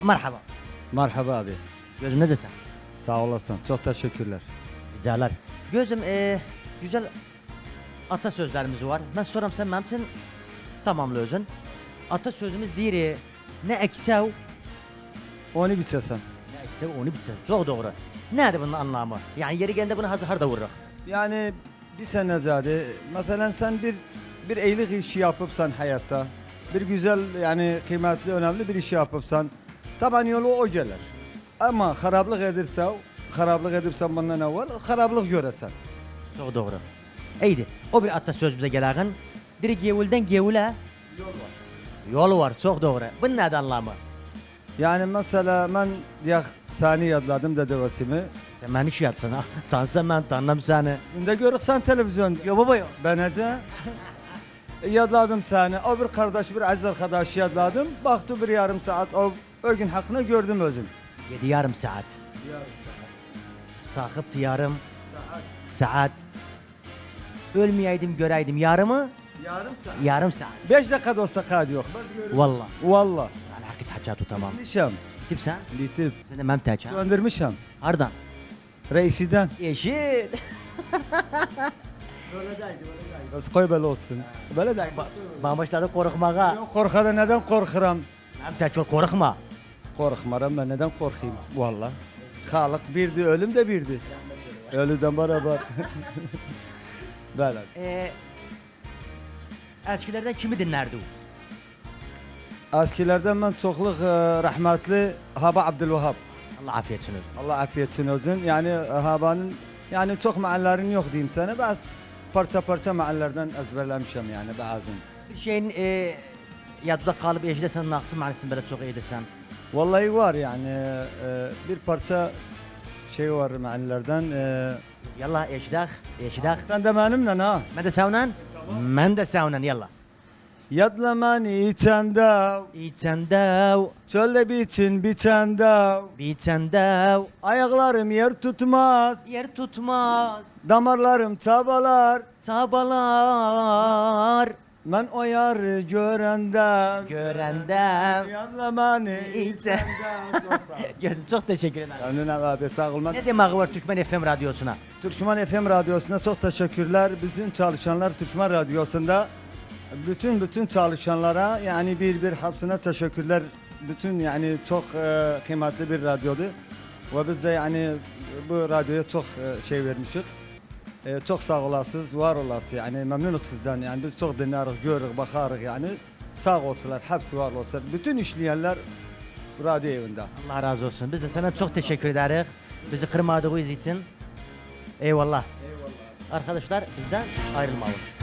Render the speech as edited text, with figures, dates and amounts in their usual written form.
Merhaba. Merhaba abi. Gözüm ne desem? Sağ olasın. Çok teşekkürler. Ricalar. Gözüm güzel atasözlerimiz var. Ben soram sen memsin tamamla özün. Atasözümüz değil ne eksev Onu biçesen. ne eksev onu bitse. Çok doğru. Nedir bunun anlamı? Yani yeri geldi bunu hazır da vururuz. Yani bir sene zade. Mesela sen bir iyilik işi yapıpsan hayatta. Bir güzel yani kıymetli önemli bir işi yapıpsan. Taban yolu o gelir. Ama haraplık edipsen bundan evvel haraplık göresen. Çok doğru. İyiydi. O bir atasöz bize gelen. Diri gevulden gevule Yol var. yol var. Çok doğru. Bunun nedir anlamı? Yani mesela ben diyak sani yadladım dedevasımı. Sen beni şey yatsana. Tansam ben tanrım seni. Şimdi görürsen televizyon. Yo baba yo. Benece yadladım seni. O bir kardeş, bir aziz arkadaş yadladım. Baktı bir yarım saat. O gün hakkını gördüm özün. 7 yarım saat. Takıp yarım saat. Ölmeyeydim göreydim yarımı. Yarım saat. Yarım saat. 5 dakika da olsa kaydı yok. Valla. Valla. Yani hakikaten hacatu tamam. Litmişim. Gitip sen. Litip. Sen de memteç ha. Söndürmüşüm. Ardan. Reisiden. Eşit. Bas koy böyle olsun. Böyle de. Ben başladım korkmaya. Yok korkada neden korkuram? Memteç ol korkma. Korkmaram ben neden korkayım? Valla. Halık birdi, ölüm de birdi. Ölüden beraber. Böyle. Eskilerden kimi dinlerdi o? Eskilerden ben çokluk rahmetli Haba Abdülvahab. Allah afiyet olsun. Allah afiyetsin özün. Yani Haba'nın yani çok meallerin yok diyeyim sana. Bas parça parça meallerden ezberlemişim yani bazen. Bir şeyin yadda kalıp eşide sen naksı manisini böyle çok iyi desen. Vallahi var yani bir parça şey var meallerden. Yallah eşidak. Eşidak. Sen de benimle ha. Ben de savnan. Ben de savnan yallah. Yadlamanı içende, İçendev. çölde biçende, Biçendev. ayaklarım yer tutmaz, Yer tutmaz. damarlarım çabalar. Çabalar. Ben o yarı görende, Görendem. yadlamanı İçen- içende. Gözüm çok teşekkür ederim. Önüne abi sağ olun. Ne demek var Türkmen FM radyosuna? Türkmen FM Radyosu'na çok teşekkürler. Bütün çalışanlar Türkmen Radyosu'nda bütün çalışanlara yani bir hepsine teşekkürler. Bütün yani çok kıymetli bir radyodu. Ve biz de yani bu radyoya çok şey vermişik. Çok sağ olasınız, var olasınız yani memnunuz sizden yani biz çok dinleriz, görürüz, bakarız yani sağ olsunlar, hepsi var olsun. Bütün işleyenler radyo evinde. Allah razı olsun. Biz de sana çok teşekkür ederiz. Bizi kırmadığınız için. Eyvallah. Arkadaşlar bizden ayrılmayın.